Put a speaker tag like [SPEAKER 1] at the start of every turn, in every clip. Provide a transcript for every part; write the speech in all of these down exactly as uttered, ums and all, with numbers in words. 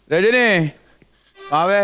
[SPEAKER 1] രജനി ആവേ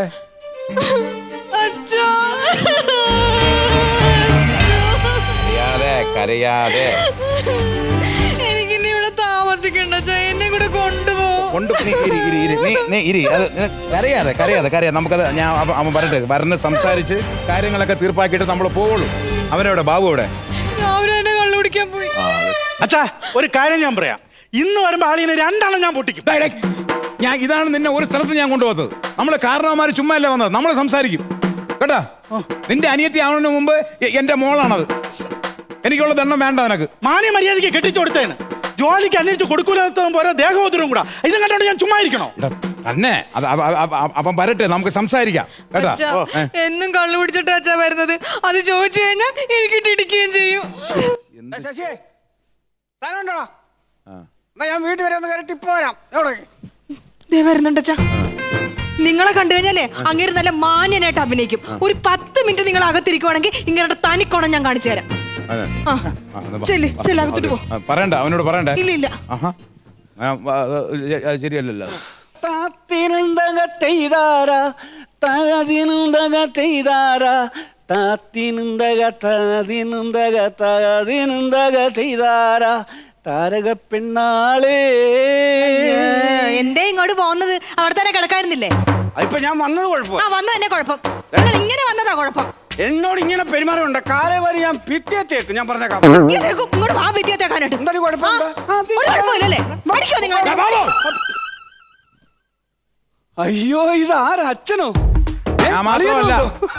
[SPEAKER 1] കരയാതെ കരയാതെ
[SPEAKER 2] എനിക്കിനി ഇവിടെ താമസിക്കണ്ട എന്നെ കൂടെ കൊണ്ടുപോകും.
[SPEAKER 1] കൊണ്ട് നീ ഇരി, ഇരി, ഇരി. നീ നീ ഇരി അത് കരയാതെ കരയാതെ കരയാതെ നമുക്കത് ഞാൻ അവ- അവൻ പറഞ്ഞിട്ട് വരന്ന് സംസാരിച്ച് കാര്യങ്ങളൊക്കെ തീർപ്പാക്കിയിട്ട് നമ്മൾ പോവുള്ളൂ. അവനെവിടെ ബാബു എവിടെ?
[SPEAKER 2] രാവിലെ എന്നെ കള്ളു കുടിക്കാൻ പോയി.
[SPEAKER 3] അച്ഛാ ഒരു കാര്യം ഞാൻ പറയാം, ഇന്ന് വരുമ്പോ ആളിനെ രണ്ടെണ്ണം ഞാൻ പൊട്ടിക്കും.
[SPEAKER 1] ഡേയ്, ഡേയ്. ഞാൻ ഇതാണ് നിന്നെ ഒരു സ്ഥലത്ത് ഞാൻ കൊണ്ടുപോകുന്നത്. നമ്മള് കാരണവന്മാര് ചുമ്മാ അല്ല വന്നത്, നമ്മൾ സംസാരിക്കും കേട്ടാ. നിന്റെ അനിയത്തി ആവുന്നതിന് മുമ്പ് എ- എന്റെ മോളാണത്. എനിക്കുള്ള ദണ്ണം വേണ്ട നിനക്ക്.
[SPEAKER 3] മാന്യ മര്യാദയ്ക്ക് കെട്ടിച്ചു കൊടുത്തേന്. ജോലിക്ക് അന്വേഷിച്ച് കൊടുക്കൂലെന്ന് പോലെ ദേഹോദരവും കൂടാ. ഇതും കണ്ടോണ്ട് ഞാൻ ചുമ്മാ ഇരിക്കണോ?
[SPEAKER 1] എടാ, തന്നെ അത് അവ- അവ- അവ- അവൻ വരട്ടെ, നമുക്ക് സംസാരിക്കാം കേട്ടാ.
[SPEAKER 2] അച്ഛാ,
[SPEAKER 1] ഓ, ഏ.
[SPEAKER 2] എന്നും കള്ളു കുടിച്ചിട്ട് അച്ഛാ വരുന്നത്. അത് ചോദിച്ചു കഴിഞ്ഞാൽ എനിക്കിട്ട് ഇടിക്കുകയും ചെയ്യും.
[SPEAKER 4] ശശിയെ സ്ഥലം ഉണ്ടോടാ?
[SPEAKER 1] ആ.
[SPEAKER 4] എന്നാ ഞാൻ വീട്ടിൽ വരെ ഒന്ന് കയറി ടിപ്പ് വരാം. എവിടെ?
[SPEAKER 2] ദേ വരുന്നുണ്ട് അച്ഛാ. നിങ്ങളെ കണ്ടു കഴിഞ്ഞാലേ അങ്ങേര് നല്ല മാന്യനായിട്ട് അഭിനയിക്കും. ഒരു പത്ത് മിനിറ്റ് നിങ്ങൾ അകത്തിരിക്കുവാണെങ്കിൽ ഇങ്ങനെ തനിക്കോണം ഞാൻ കാണിച്ചു തരാം.
[SPEAKER 1] അതെ.
[SPEAKER 2] ആ.
[SPEAKER 1] ആ, എന്നാ വാ.
[SPEAKER 2] ചെല്ല്, ചെല്ല്, അകത്തോട്ട് പോ.
[SPEAKER 1] ആ, പറയണ്ട, അവനോട് പറയണ്ടേ.
[SPEAKER 2] ഇല്ല ഇല്ല
[SPEAKER 1] ആഹാ. ആ, ആ, അത് ശരിയല്ലല്ലോ.
[SPEAKER 4] താത്തിനുണ്ടക തെയ്താര താതിനുണ്ടക തെയ്താര താത്തിനുണ്ടക താതിനുണ്ടക താതിനുണ്ടക തെയ്താര താരക പെണ്ണാളേ.
[SPEAKER 2] എന്തേ ഇങ്ങോട്ട് പോകുന്നത്? അവിടെ തന്നെ കിടക്കായിരുന്നില്ലേ?
[SPEAKER 4] ഇപ്പൊ ഞാൻ വന്നത് കുഴപ്പം.
[SPEAKER 2] ആ വന്നത് തന്നെ കുഴപ്പം. നിങ്ങൾ ഇങ്ങനെ വന്നതാ കുഴപ്പം.
[SPEAKER 4] എന്നോട് ഇങ്ങനെ പെരുമാറുണ്ട്. കാലേ വരെ ഞാൻ ഭിത്തിയെത്തേക്ക് ഞാൻ പറഞ്ഞേക്കാം.
[SPEAKER 2] ഇതേക്കും ഇങ്ങോട്ട് വാ വിദ്യാർത്ഥിയാക്കാനായിട്ട്.
[SPEAKER 4] എന്താ കുഴപ്പം? എന്താ? ആ,
[SPEAKER 2] ഒരു കുഴപ്പമില്ലല്ലേ? പഠിക്കോ നിങ്ങൾ?
[SPEAKER 4] അയ്യോ ഇത് ആരാ? അച്ഛനോ? ഏ,
[SPEAKER 1] ഞാൻ മാത്രമല്ല.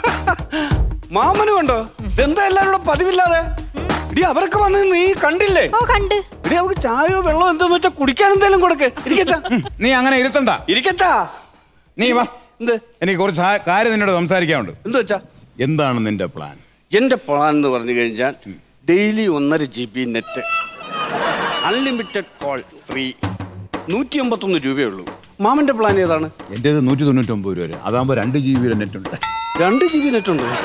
[SPEAKER 4] മാമനും ഉണ്ടോ? ഇതെന്താ എല്ലാരും കൂടെ പതിവില്ലാതെ? ഇടി അവരൊക്കെ വന്ന് നീ കണ്ടില്ലേ?
[SPEAKER 2] ഓ കണ്ട്.
[SPEAKER 4] ഇടി അവർക്ക് ചായയോ വെള്ളമോ എന്താന്ന് വെച്ചാ കുടിക്കാൻ എന്തെങ്കിലും കൊടുക്ക്. ഇരിക്കച്ചാ
[SPEAKER 1] നീ അങ്ങനെ ഇരുത്തണ്ട.
[SPEAKER 4] ഇരിക്കച്ചാ.
[SPEAKER 1] നീ വാ,
[SPEAKER 4] എന്ത്
[SPEAKER 1] എനിക്ക് കുറച്ച് ആ- കാര്യം നിന്നോട് സംസാരിക്കാനുണ്ട്.
[SPEAKER 4] എന്ത് വെച്ചാ?
[SPEAKER 1] എന്താണ് നിന്റെ പ്ലാൻ?
[SPEAKER 4] എന്റെ പ്ലാൻ എന്ന് പറഞ്ഞു കഴിഞ്ഞാൽ ഡെയിലി ഒന്നര G B net, unlimited call free, നൂറ്റി അമ്പത്തൊന്ന് രൂപയേ ഉള്ളൂ. മാമന്റെ പ്ലാൻ ഏതാണ്?
[SPEAKER 1] എന്റേത് നൂറ്റി തൊണ്ണൂറ്റൊമ്പത് രൂപ വരെ. അതാകുമ്പോ രണ്ട് ജി ബി നെറ്റ് ഉണ്ട്.
[SPEAKER 4] രണ്ട് ജി ബി നെറ്റ് ഉണ്ട്.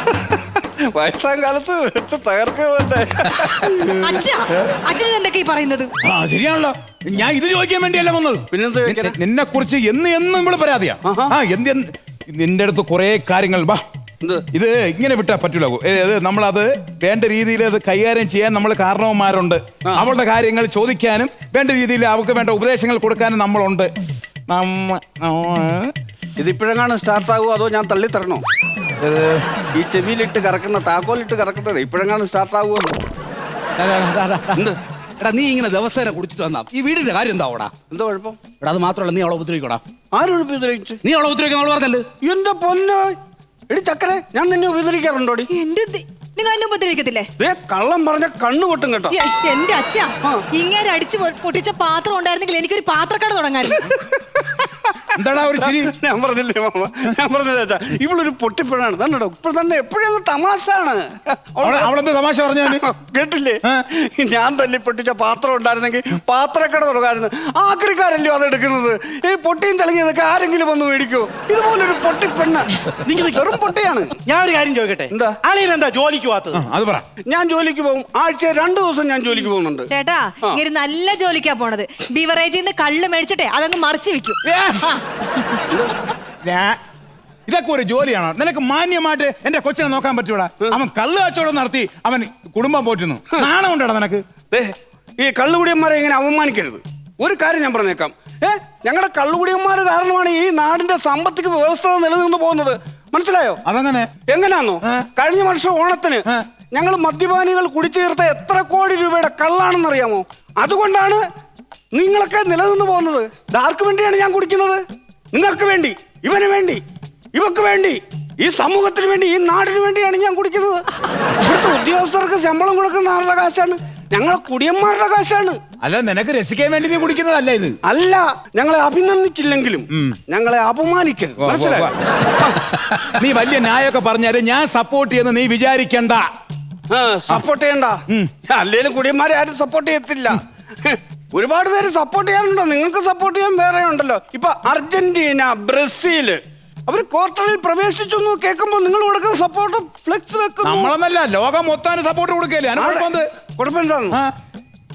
[SPEAKER 4] വയസ്സാം കാലത്ത് വെച്ച് തകർക്കുന്നതല്ലേ.
[SPEAKER 2] അച്ഛാ, അച്ഛൻ എന്തൊക്കെ ഈ പറയുന്നത്?
[SPEAKER 1] ആ ശരിയാണല്ലോ, ഞാൻ ഇത് ചോദിക്കാൻ വേണ്ടിയല്ല വന്നത്.
[SPEAKER 4] പിന്നെന്താ ചോദിക്കാനാ?
[SPEAKER 1] നിന്നെ കുറിച്ച് എന്ന് എന്നും ഇവിടെ പരാതിയാ. ആ എന്ത് എന്ത് നിന്റെ അടുത്ത് കുറെ കാര്യങ്ങൾ വാ.
[SPEAKER 4] എന്ത്?
[SPEAKER 1] ഇത് ഇങ്ങനെ വിട്ടാ പറ്റൂല. ഇത് നമ്മളത് വേണ്ട രീതിയിൽ അത് കൈകാര്യം ചെയ്യാൻ നമ്മൾ കാരണവന്മാരുണ്ട്. അവളുടെ കാര്യങ്ങൾ ചോദിക്കാനും വേണ്ട രീതിയിൽ അവർക്ക് വേണ്ട ഉപദേശങ്ങൾ കൊടുക്കാനും നമ്മളുണ്ട്. നമ്മ
[SPEAKER 4] ഇതിപ്പോഴെങ്ങാണ് സ്റ്റാർട്ട് ആകുമോ അതോ ഞാൻ തള്ളി തരണോ? ഈ ചെവിയിലിട്ട് കറക്കുന്ന താക്കോലിട്ട് കറക്കുന്നത് ഇപ്പോഴെങ്ങാണ് സ്റ്റാർട്ട് ആകുമോ? എന്ത്?
[SPEAKER 5] എടാ നീ ഇങ്ങനെ ദിവസേന കുടിച്ചിട്ട് വന്നാ ഈ വീടിന്റെ കാര്യം എന്താ ഓടാ?
[SPEAKER 4] എന്താ കുഴപ്പം?
[SPEAKER 5] എടാ അത് മാത്രമല്ല, നീ അവളെ ഉപദ്രവിക്കടാ.
[SPEAKER 4] ആരും ഉപദ്രവിച്ചു?
[SPEAKER 5] നീ അവളെ ഉപദ്രവിക്കാൻ അവള് പറഞ്ഞല്ലേ?
[SPEAKER 4] എന്റെ പൊന്നോ എടി ചക്കരെ, ഞാൻ നിന്നെ ഉപദ്രവിക്കാറുണ്ടോടി?
[SPEAKER 2] എന്റെ ദി- നിങ്ങൾ എന്നെ ഉപദ്രവിക്കത്തില്ലേ?
[SPEAKER 4] ദേ കള്ളം പറഞ്ഞ കണ്ണു പൊട്ടും കേട്ടോ.
[SPEAKER 2] എ- എന്റെ അച്ഛാ, ഇങ്ങനെ അടിച്ച് പൊ- പൊട്ടിച്ച പാത്രം ഉണ്ടായിരുന്നെങ്കിൽ എനിക്കൊരു പാത്രക്കട തുടങ്ങായിരുന്നു.
[SPEAKER 1] എന്താടാ ഒരു ചിരി?
[SPEAKER 4] ഞാൻ പറഞ്ഞില്ലേ മാമ, ഞാൻ പറഞ്ഞില്ല അച്ഛാ, ഇവളൊരു പൊട്ടിപ്പഴാണ്. തന്നെ ഇപ്പോൾ തന്നെ എപ്പോഴും തമാശാണ്.
[SPEAKER 1] അവളെ- അവളെന്ത് തമാശ പറഞ്ഞാല്?
[SPEAKER 4] കേട്ടില്ലേ? ഞാൻ തല്ലി പൊട്ടിച്ച പാത്രം ഉണ്ടായിരുന്നെങ്കിൽ പാത്രക്കട തുടങ്ങായിരുന്നു. ആക്രിക്കാരല്ലോ അത് എടുക്കുന്നത്. ഈ പൊട്ടിയും തെളിഞ്ഞതൊക്കെ ആരെങ്കിലും വന്ന് മേടിക്കോ? ഇതുപോലൊരു പൊട്ടിപ്പെണ്ണ് നിങ്ങൾ വെറും പൊട്ടിയാണ്.
[SPEAKER 3] ഞാൻ ഒരു കാര്യം ചോദിക്കട്ടെ,
[SPEAKER 4] എന്താ?
[SPEAKER 3] ആളിന് എന്താ ജോലിക്ക് പോകാത്തത്?
[SPEAKER 1] അത് പറ.
[SPEAKER 4] ഞാൻ ജോലിക്ക് പോകും. ആഴ്ച രണ്ടു ദിവസം ഞാൻ ജോലിക്ക് പോകുന്നുണ്ട്.
[SPEAKER 2] ചേട്ടാ, ഇങ്ങനെ നല്ല ജോലിക്കാ പോണത്. ബിവറേജിൽ നിന്ന് കള്ള് മേടിച്ചിട്ടെ അതങ്ങ് മറിച്ച് വെക്കും. ആ.
[SPEAKER 1] ഞാ- ഇതൊക്കെ ഒരു ജോലിയാണോ? നിനക്ക് മാന്യമായിട്ട് എന്റെ കൊച്ചിനെ നോക്കാൻ പറ്റൂടാ? അവൻ കള്ള് കച്ചവടം നടത്തി അവൻ കുടുംബം പോറ്റുന്നു. നാണം കൊണ്ടാടാ നിനക്ക്?
[SPEAKER 4] ദേ, ഈ കള്ളുകുടിയന്മാരെ ഇങ്ങനെ അവമാനിക്കരുത്. ഒരു കാര്യം ഞാൻ പറഞ്ഞേക്കാം. ഏ ഞങ്ങളുടെ കള്ളുകുടിയന്മാർ കാരണമാണ് ഈ നാടിന്റെ സാമ്പത്തിക വ്യവസ്ഥ നിലനിന്ന് പോകുന്നത്. മനസ്സിലായോ?
[SPEAKER 1] അതങ്ങനെ
[SPEAKER 4] എങ്ങനെയാന്നോ? കഴിഞ്ഞ വർഷം ഓണത്തിന് ഞങ്ങൾ മദ്യപാനികൾ കുടിച്ചു തീർത്ത എത്ര കോടി രൂപയുടെ കള്ളാണെന്നറിയാമോ? അതുകൊണ്ടാണ് നിങ്ങളൊക്കെ നിലനിന്ന് പോകുന്നത്. ആർക്ക് വേണ്ടിയാണ് ഞാൻ കുടിക്കുന്നത്? നിങ്ങൾക്ക് വേണ്ടി, ഇവന് വേണ്ടി, ഇവക്ക് വേണ്ടി, ഈ സമൂഹത്തിന് വേണ്ടി, ഈ നാടിന് വേണ്ടിയാണ് ഞാൻ കുടിക്കുന്നത്. ഇവിടുത്തെ ഉദ്യോഗസ്ഥർക്ക് ശമ്പളം കൊടുക്കുന്ന ആരുടെ കാശാണ്? ഞങ്ങളെ കുടിയന്മാരുടെ കാശാണ്.
[SPEAKER 1] അല്ല, നിനക്ക് രസിക്കാൻ വേണ്ടി നീ കുടിക്കുന്നതല്ല ഇത്.
[SPEAKER 4] അല്ല, ഞങ്ങളെ അഭിനന്ദിച്ചില്ലെങ്കിലും ഞങ്ങളെ അപമാനിക്കരുത്. മനസ്സിലായോ?
[SPEAKER 1] നീ വലിയ ന്യായമൊക്കെ പറഞ്ഞാല് ഞാൻ സപ്പോർട്ട് ചെയ്യുന്ന നീ വിചാരിക്കണ്ട.
[SPEAKER 4] സപ്പോർട്ട് ചെയ്യണ്ട. അല്ലേലും കുടിയന്മാരെ ആരും സപ്പോർട്ട് ചെയ്യത്തില്ല. ഒരുപാട് പേര് സപ്പോർട്ട് ചെയ്യാനുണ്ടോ? നിങ്ങൾക്ക് സപ്പോർട്ട് ചെയ്യാൻ വേറെ ഉണ്ടല്ലോ. ഇപ്പൊ അർജന്റീന, ബ്രസീല് അവര് ക്വാർട്ടറിൽ പ്രവേശിച്ചു എന്ന് കേൾക്കുമ്പോ നിങ്ങൾ കൊടുക്കുന്ന സപ്പോർട്ട് ഫ്ലെക്സ് വെക്കുന്നു.
[SPEAKER 1] നമ്മളെന്നല്ല, ലോകം മൊത്തം സപ്പോർട്ട് കൊടുക്കല്ലേ?
[SPEAKER 4] കുഴപ്പമെന്താണ്?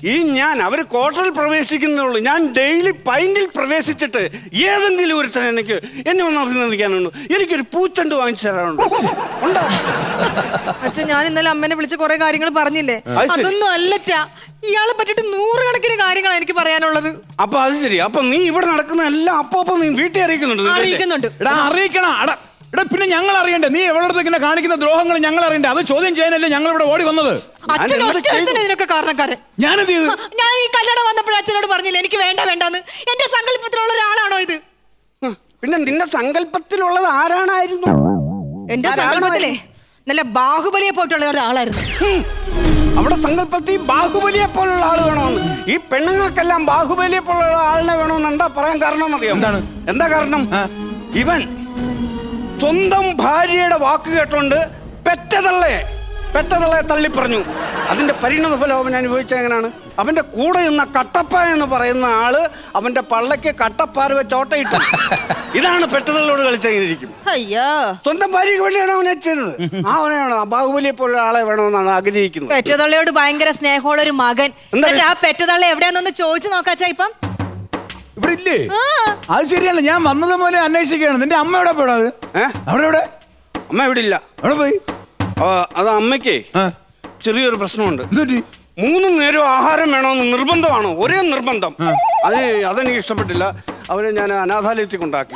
[SPEAKER 4] ഈ ഞാൻ അവര് ക്വാർട്ടറിൽ പ്രവേശിക്കുന്നുള്ളൂ. ഞാൻ ഡെയിലി പൈന്റിൽ പ്രവേശിച്ചിട്ട് ഏതെങ്കിലും ഒരുത്തൻ എനിക്ക് എന്നെ ഒന്ന് അഭിനന്ദിക്കാനുണ്ടോ? എനിക്കൊരു പൂച്ചണ്ട് വാങ്ങിച്ചു തരാനുണ്ടോ? ഉണ്ടോ?
[SPEAKER 2] അച്ഛൻ ഞാൻ ഇന്നലെ അമ്മേനെ വിളിച്ച് കുറെ കാര്യങ്ങൾ പറഞ്ഞില്ലേ,
[SPEAKER 4] അത് ശരി.
[SPEAKER 2] അതൊന്നും അല്ലച്ചാ. ഇയാളെ പറ്റിട്ട് നൂറുകണക്കിന് കാര്യങ്ങളാണ് എനിക്ക് പറയാനുള്ളത്.
[SPEAKER 4] അപ്പൊ അത് ശരി. അപ്പൊ നീ ഇവിടെ നടക്കുന്ന എല്ലാം അപ്പൊ അപ്പൊ നീ വീട്ടിൽ അറിയിക്കുന്നുണ്ട് നിന്റെ അല്ലേ?
[SPEAKER 2] അറിയിക്കുന്നുണ്ട്.
[SPEAKER 1] എടാ അറിയിക്കണം. എടാ എടാ പിന്നെ ഞങ്ങൾ അറിയണ്ടേ? നീ എവിടെ ഇങ്ങനെ കാണിക്കുന്ന ദ്രോഹങ്ങൾ ഞങ്ങൾ അറിയണ്ടേ? അത് ചോദ്യം ചെയ്യാനല്ലേ ഞങ്ങൾ ഇവിടെ ഓടി വന്നത്.
[SPEAKER 2] അച്ഛൻ
[SPEAKER 4] എന്ത്
[SPEAKER 2] ഒറ്റ ഇതിനൊക്കെ കാരണക്കാരൻ.
[SPEAKER 1] ഞാനെന്ത് ചെയ്തു?
[SPEAKER 2] ഞാൻ ഈ കല്യാണം വന്നപ്പോഴും അച്ഛനോട് പറഞ്ഞില്ല എനിക്ക് വേണ്ട വേണ്ടെന്ന്. എന്റെ സങ്കല്പത്തിലുള്ള ഒരാളാണോ ഇത്?
[SPEAKER 4] ഹ്, പിന്നെ നിന്റെ സങ്കല്പത്തിലുള്ളത് ആരാണായിരുന്നു?
[SPEAKER 2] എന്റെ സങ്കല്പത്തിലേ നല്ല ബാഹുബലിയെ പോയിട്ടുള്ള ഒരാളായിരുന്നു.
[SPEAKER 4] ഹും, അവിടെ സങ്കല്പത്തിൽ ബാഹുബലിയെ പോലുള്ള ആള് വേണമെന്ന്. ഈ പെണ്ണുങ്ങൾക്കെല്ലാം ബാഹുബലിയെ പോലുള്ള ആളിനെ വേണമെന്ന് എന്താ പറയാൻ കാരണം അറിയാം?
[SPEAKER 1] എന്താണ്?
[SPEAKER 4] എന്താ കാരണം? ഇവൻ സ്വന്തം ഭാര്യയുടെ വാക്ക് കേട്ടോണ്ട് പെറ്റതള്ളയെ പെറ്റതള്ളയെ തള്ളി പറഞ്ഞു. അതിന്റെ പരിണത ഫലം അവൻ അനുഭവിച്ച എങ്ങനെയാണ്? അവന്റെ കൂടെ നിന്ന കട്ടപ്പ എന്ന് പറയുന്ന ആള് അവന്റെ പള്ളയ്ക്ക് കട്ടപ്പാര വെച്ച് ഓട്ടയിട്ടു. ഇതാണ് പെറ്റതള്ളോട് കളിച്ചെങ്ങനെയിരിക്കും.
[SPEAKER 2] അയ്യോ,
[SPEAKER 4] സ്വന്തം ഭാര്യയ്ക്ക് വേണ്ടിയാണ് അവനെ ചെയ്തത്. ആ അവനെ വേണം, ആ ബാഹുബലിയെ പോലുള്ള ആളെ വേണമെന്നാണ് ആഗ്രഹിക്കുന്നത്.
[SPEAKER 2] പെറ്റതള്ളയോട് ഭയങ്കര സ്നേഹമുള്ള ഒരു മകൻ.
[SPEAKER 4] എന്താ?
[SPEAKER 2] എന്നിട്ട് ആ പെറ്റതള്ള എവിടെയാന്നൊന്ന് ചോദിച്ചു നോക്കാച്ചാ ഇപ്പം.
[SPEAKER 1] ഇവിടെ ഇല്ലേ?
[SPEAKER 2] ആ,
[SPEAKER 1] അത് ശരിയല്ല. ഞാൻ വന്നത് പോലെ അന്വേഷിക്കുകയാണ്. നിന്റെ അമ്മ എവിടെ പോടാ? അത്
[SPEAKER 4] ഏ?
[SPEAKER 1] അവിടെ എവിടെ?
[SPEAKER 4] അമ്മ ഇവിടെ ഇല്ല.
[SPEAKER 1] അവിടെ പോയി.
[SPEAKER 4] ആ, അത് അമ്മയ്ക്കേ
[SPEAKER 1] ആ,
[SPEAKER 4] ചെറിയൊരു പ്രശ്നമുണ്ട്.
[SPEAKER 1] എന്ത് പറ്റി?
[SPEAKER 4] മൂന്ന് നേരം ആഹാരം വേണമെന്ന് നിർബന്ധമാണോ? ഒരേ നിർബന്ധം. അത് അതെനിക്ക് ഇഷ്ടപ്പെട്ടില്ല. അവരെ ഞാൻ അനാഥാലയത്തിൽ കൊണ്ടാക്കി.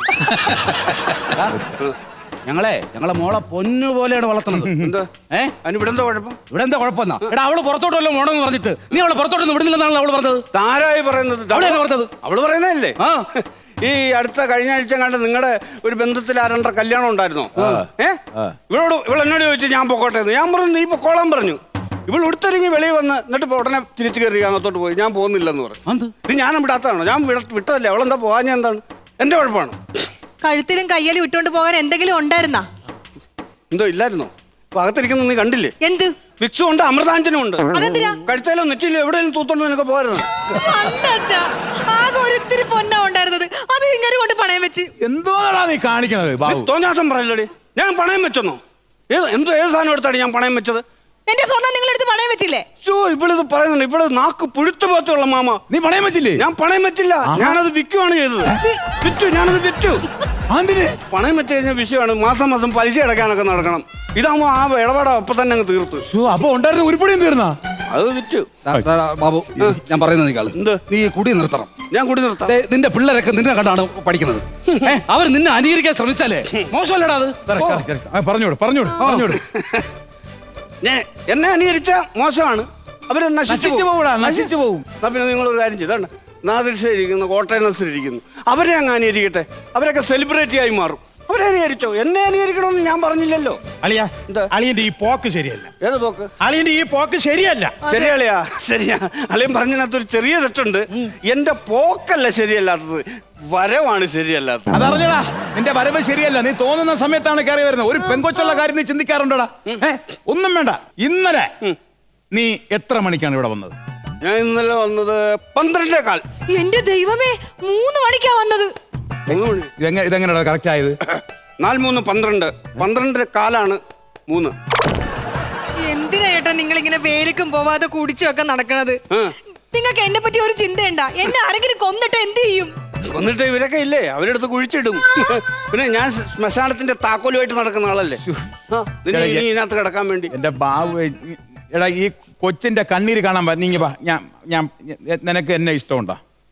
[SPEAKER 5] ഞങ്ങളെ ഞങ്ങളെ മോളെ പൊന്നു പോലെയാണ് വളർത്തുന്നത്.
[SPEAKER 4] എന്താ?
[SPEAKER 5] ഏ
[SPEAKER 4] അതിന് ഇവിടെ എന്താ കുഴപ്പം?
[SPEAKER 5] ഇവിടെ എന്താ കുഴപ്പമെന്നാ? എടാ അവള് പുറത്തോട്ടല്ലോ മോണെന്ന് പറഞ്ഞിട്ട് നീ അവളെ പുറത്തോട്ടൊന്നും വിടുന്നില്ലെന്നാണ് അവള് പറഞ്ഞത്.
[SPEAKER 4] താരായി പറയുന്നത്?
[SPEAKER 5] അവളെയല്ലേ പറഞ്ഞത്?
[SPEAKER 4] അവള് പറയുന്നതല്ലേ?
[SPEAKER 5] ആ.
[SPEAKER 4] ഈ അടുത്ത കഴിഞ്ഞ ആഴ്ച കണ്ട് നിങ്ങളുടെ ഒരു ബന്ധത്തിൽ ആരണ്ട കല്യാണം ഉണ്ടായിരുന്നോ? ഏ ഇവളോട് ഇവൾ എന്നോട് ചോദിച്ചു ഞാൻ പൊക്കോട്ടെ എന്ന്. ഞാൻ പറഞ്ഞു നീ പൊക്കോളാൻ പറഞ്ഞു. ഇവൾ ഉടുത്തൊരുങ്ങി വെളിയിൽ വന്ന് എന്നിട്ട് ഇപ്പൊ ഉടനെ തിരിച്ചു കയറി അകത്തോട്ട് പോയി. ഞാൻ പോകുന്നില്ലെന്ന് പറഞ്ഞു. ഇത് ഞാൻ വിടാത്തതാണോ? ഞാൻ വിട- വിട്ടതല്ലേ. അവളെന്താ പോകാൻ? ഞാൻ എന്താണ് എന്റെ കുഴപ്പമാണ്?
[SPEAKER 2] കഴുത്തിലും കയ്യിലും ഇട്ടുകൊണ്ട് പോകാൻ എന്തെങ്കിലും ഉണ്ടായിരുന്നാ?
[SPEAKER 4] എന്തോ ഇല്ലായിരുന്നോ? അപ്പൊ അകത്തിരിക്കുന്ന നീ കണ്ടില്ലേ?
[SPEAKER 2] എന്ത്?
[SPEAKER 4] വിക്സും ഉണ്ട്, അമൃതാഞ്ജനും ഉണ്ട്.
[SPEAKER 2] അതെന്തിനാ?
[SPEAKER 4] കഴുത്തേലോ നെറ്റിലോ എവിടെയും തൂത്തോണ്ട് നിനക്ക് പോരുന്നു.
[SPEAKER 2] കണ്ടച്ചാ, ആകെ ഒരിത്തിരി പൊന്നാ ഉണ്ടായിരുന്നത്. അത് ഇങ്ങനെ കൊണ്ട് പണയം വെച്ച്.
[SPEAKER 1] എന്തോന്നാടാ നീ കാണിക്കണത് ബാബു?
[SPEAKER 4] തോന്നാസം പറയല്ലോടി. ഞാൻ പണയം വെച്ചെന്നോ? ഏത് എന്തോ ഏത് സാധനം എടുത്താണ് ഞാൻ പണയം വെച്ചത്?
[SPEAKER 2] എന്റെ സ്വർണ്ണം നിങ്ങളെടുത്ത് പണയം വെച്ചില്ലേ?
[SPEAKER 4] ഷോ ഇവളിത് പറയുന്നുണ്ട്. ഇവിടെ നാക്ക് പുഴുത്ത പോത്തുള്ള മാമ.
[SPEAKER 1] നീ പണയം വെച്ചില്ലേ?
[SPEAKER 4] ഞാൻ പണയം വെച്ചില്ല. ഞാനത് വിൽക്കുവാണ് ചെയ്തത്. വിറ്റു. ഞാനത് വിറ്റു.
[SPEAKER 1] എന്തിന്?
[SPEAKER 4] പണയം വെച്ച് കഴിഞ്ഞ വിഷയമാണ്. മാസം മാസം പലിശ അടയ്ക്കാനൊക്കെ നടക്കണം. ഇതാകുമ്പോ ആ ഇടപാട് അപ്പൊ തന്നെ അങ്ങ് തീർത്തു.
[SPEAKER 1] ശ്ശോ, അപ്പൊ ഉണ്ടായിരുന്ന ഉരുപ്പടിയും തീർന്നാ?
[SPEAKER 4] അത് വിറ്റു.
[SPEAKER 5] ടാ, ടാ, ടാ, ബാബു ഞാൻ പറയുന്നത് നീ
[SPEAKER 4] എന്ത്?
[SPEAKER 5] നീ കുടി നിർത്തണം.
[SPEAKER 4] ഞാൻ കൂടി നിർത്താം.
[SPEAKER 5] ദേ, നിന്റെ പിള്ളേരൊക്കെ നിന്നെ കണ്ടാണ് പഠിക്കുന്നത്. ഏ, അവർ നിന്നെ അനുകരിക്കാൻ ശ്രമിച്ചാലേ മോശമല്ലടാ അത്.
[SPEAKER 1] ആ, പറഞ്ഞോട് പറഞ്ഞോട് പറഞ്ഞോട്.
[SPEAKER 4] ഞാൻ എന്നെ അനുകരിച്ച മോശമാണ്. അവര്
[SPEAKER 1] നശിച്ചു പോകൂടാ, നശിച്ചു പോകും.
[SPEAKER 4] എന്നാ പിന്നെ നിങ്ങൾ ഒരു കാര്യം ചെയ്താണ്. നാദിരിക്കുന്നു, കോട്ടയനസിരിക്കുന്നു, അവരെ അങ്ങ് അനുകരിക്കട്ടെ. അവരൊക്കെ സെലിബ്രിറ്റി ആയി മാറും. അവരെ അനുകരിച്ചോ. എന്നെ അനുകരിക്കണമെന്ന് ഞാൻ പറഞ്ഞില്ലല്ലോ.
[SPEAKER 3] അളിയ
[SPEAKER 4] എന്താ?
[SPEAKER 3] അളിയന്റെ ഈ പോക്ക് ശരിയല്ല.
[SPEAKER 4] ഏത് പോക്ക്?
[SPEAKER 3] അളിയന്റെ ഈ പോക്ക് ശരിയല്ല.
[SPEAKER 4] ശരിയാളിയാ ശരിയാ. അളിയൻ പറഞ്ഞതിനകത്ത് ഒരു ചെറിയ തെറ്റുണ്ട്. എന്റെ പോക്കല്ല ശരിയല്ലാത്തത്, വരവാണ് ശരിയല്ലാത്തത്.
[SPEAKER 1] അതറിഞ്ഞടാ, നിന്റെ വരവ് ശരിയല്ല. നീ തോന്നുന്ന സമയത്താണ് കയറി വരുന്നത്. ഒരു പെങ്കൊച്ചുള്ള കാര്യം നീ ചിന്തിക്കാറുണ്ടോടാ? ഏ ഒന്നും വേണ്ട. ഇന്നലെ നീ എത്ര മണിക്കാണ് ഇവിടെ വന്നത്?
[SPEAKER 4] ഞാൻ ഇന്നലെ വന്നത് പന്ത്രണ്ടേ കാൽ.
[SPEAKER 2] എന്റെ ദൈവമേ, മൂന്ന് മണിക്കാ വന്നത്.
[SPEAKER 4] മൂന്ന് മണി.
[SPEAKER 1] ഇതെങ്ങനെ ഇതെങ്ങനെയാ കറക്റ്റ് ആയത്?
[SPEAKER 4] നാല് മൂന്ന് പന്ത്രണ്ട്. പന്ത്രണ്ടര കാലാണ് മൂന്ന്.
[SPEAKER 2] എന്തിനാ ഏട്ടാ നിങ്ങൾ ഇങ്ങനെ വേലിക്കും പോവാതെ കുടിച്ചും ഒക്കെ നടക്കണത്?
[SPEAKER 4] ആ.
[SPEAKER 2] നിങ്ങൾക്ക് എന്നെ പറ്റി ഒരു ചിന്തയുണ്ടാ? എന്നെ ആരെങ്കിലും കൊന്നിട്ട് എന്ത് ചെയ്യും?
[SPEAKER 4] കൊന്നിട്ട് ഇവരൊക്കെ ഇല്ലേ, അവരെടുത്ത് കുഴിച്ചിടും. പിന്നെ ഞാൻ ശ്മശാനത്തിന്റെ താക്കോലുമായിട്ട് നടക്കുന്ന ആളല്ലേ. ആ, നിന്നെ ഇനി ഇതിനകത്ത് കിടക്കാൻ വേണ്ടി.
[SPEAKER 1] എന്റെ ബാബു, എടാ ഈ കൊച്ചിന്റെ കണ്ണീര് കാണാൻ പ- നീങ്ങി വാ. ഞാൻ ഞാൻ നിനക്ക് എന്നെ ഇഷ്ടമുണ്ടോ?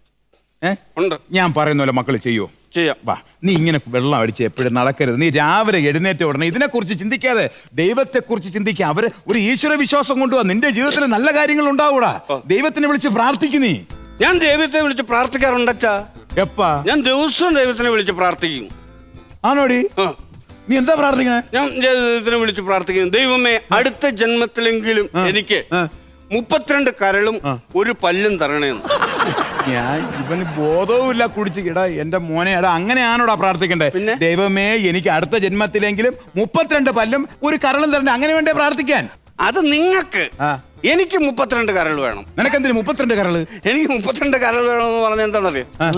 [SPEAKER 1] ഏ
[SPEAKER 4] ഉണ്ട്.
[SPEAKER 1] ഞാൻ പറയുന്ന പോലെ മക്കൾ ചെയ്യുമോ?
[SPEAKER 4] ചെയ്യാം.
[SPEAKER 1] വാ. നീ ഇങ്ങനെ വെള്ളം അടിച്ച് എപ്പോഴും നടക്കരുത്. നീ രാവിലെ എഴുന്നേറ്റ ഉടനെ ഇതിനെക്കുറിച്ച് ചിന്തിക്കാതെ ദൈവത്തെക്കുറിച്ച് ചിന്തിക്കുക. അവര് ഒരു ഈശ്വര വിശ്വാസം കൊണ്ടുപോവാ. നിന്റെ ജീവിതത്തിൽ നല്ല കാര്യങ്ങൾ ഉണ്ടാവൂടാ. ദൈവത്തിനെ വിളിച്ച് പ്രാർത്ഥിക്കും നീ.
[SPEAKER 4] ഞാൻ ദൈവത്തെ വിളിച്ച് പ്രാർത്ഥിക്കാറുണ്ടച്ചാ.
[SPEAKER 1] എപ്പാ?
[SPEAKER 4] ഞാൻ ദിവസവും ദൈവത്തിനെ വിളിച്ച് പ്രാർത്ഥിക്കും.
[SPEAKER 1] ആണോടി?
[SPEAKER 4] ആ,
[SPEAKER 1] നീ എന്താ പ്രാർത്ഥിക്കണേ?
[SPEAKER 4] ഞാൻ ദൈവത്തിനെ വിളിച്ച് പ്രാർത്ഥിക്കും. ദൈവമേ, അടുത്ത ജന്മത്തിലെങ്കിലും എനിക്ക് മുപ്പത്തിരണ്ട് കരളും ഒരു പല്ലും തരണേന്ന്.
[SPEAKER 1] ഞാൻ ഇവന് ബോധവും ഇല്ല കുടിച്ച് കിടാ. എന്റെ മോനെ, എടാ അങ്ങനെയാണോടാ പ്രാർത്ഥിക്കണ്ടേ?
[SPEAKER 4] പിന്നെ?
[SPEAKER 1] ദൈവമേ, എനിക്ക് അടുത്ത ജന്മത്തിലെങ്കിലും മുപ്പത്തിരണ്ട് പല്ലും ഒരു കരളും തരണ്ടേ. അങ്ങനെ വേണ്ടേ പ്രാർത്ഥിക്കാൻ?
[SPEAKER 4] അത് നിങ്ങൾക്ക്.
[SPEAKER 1] ആ.
[SPEAKER 4] എനിക്ക് മുപ്പത്തിരണ്ട് കരൾ വേണം.
[SPEAKER 1] നിനക്കെന്തിന് മുപ്പത്തിരണ്ട് കരള്?
[SPEAKER 4] എനിക്ക് മുപ്പത്തിരണ്ട് കരൾ വേണമെന്ന് പറഞ്ഞാൽ എന്താണെന്നറിയോ?
[SPEAKER 1] ആ.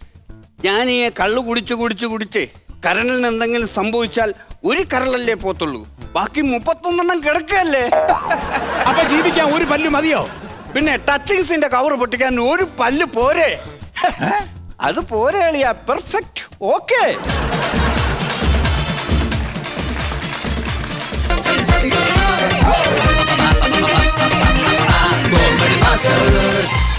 [SPEAKER 4] ഞാൻ ഈ കള്ളു കുടിച്ച് കുടിച്ച് കുടിച്ച് കരളിന് എന്തെങ്കിലും സംഭവിച്ചാൽ ഒരു കരളല്ലേ പോത്തുള്ളൂ. ബാക്കി മുപ്പത്തൊന്നെണ്ണം കിടക്കല്ലേ.
[SPEAKER 1] അപ്പൊ ജീവിക്കാൻ ഒരു പല്ല് മതിയോ?
[SPEAKER 4] പിന്നെ ടച്ചിങ്സിന്റെ കവർ പൊട്ടിക്കാൻ ഒരു പല്ല് പോരെ അത് പോരെ അളിയാ പെർഫെക്റ്റ് ഓക്കെ
[SPEAKER 6] Comedy Masters.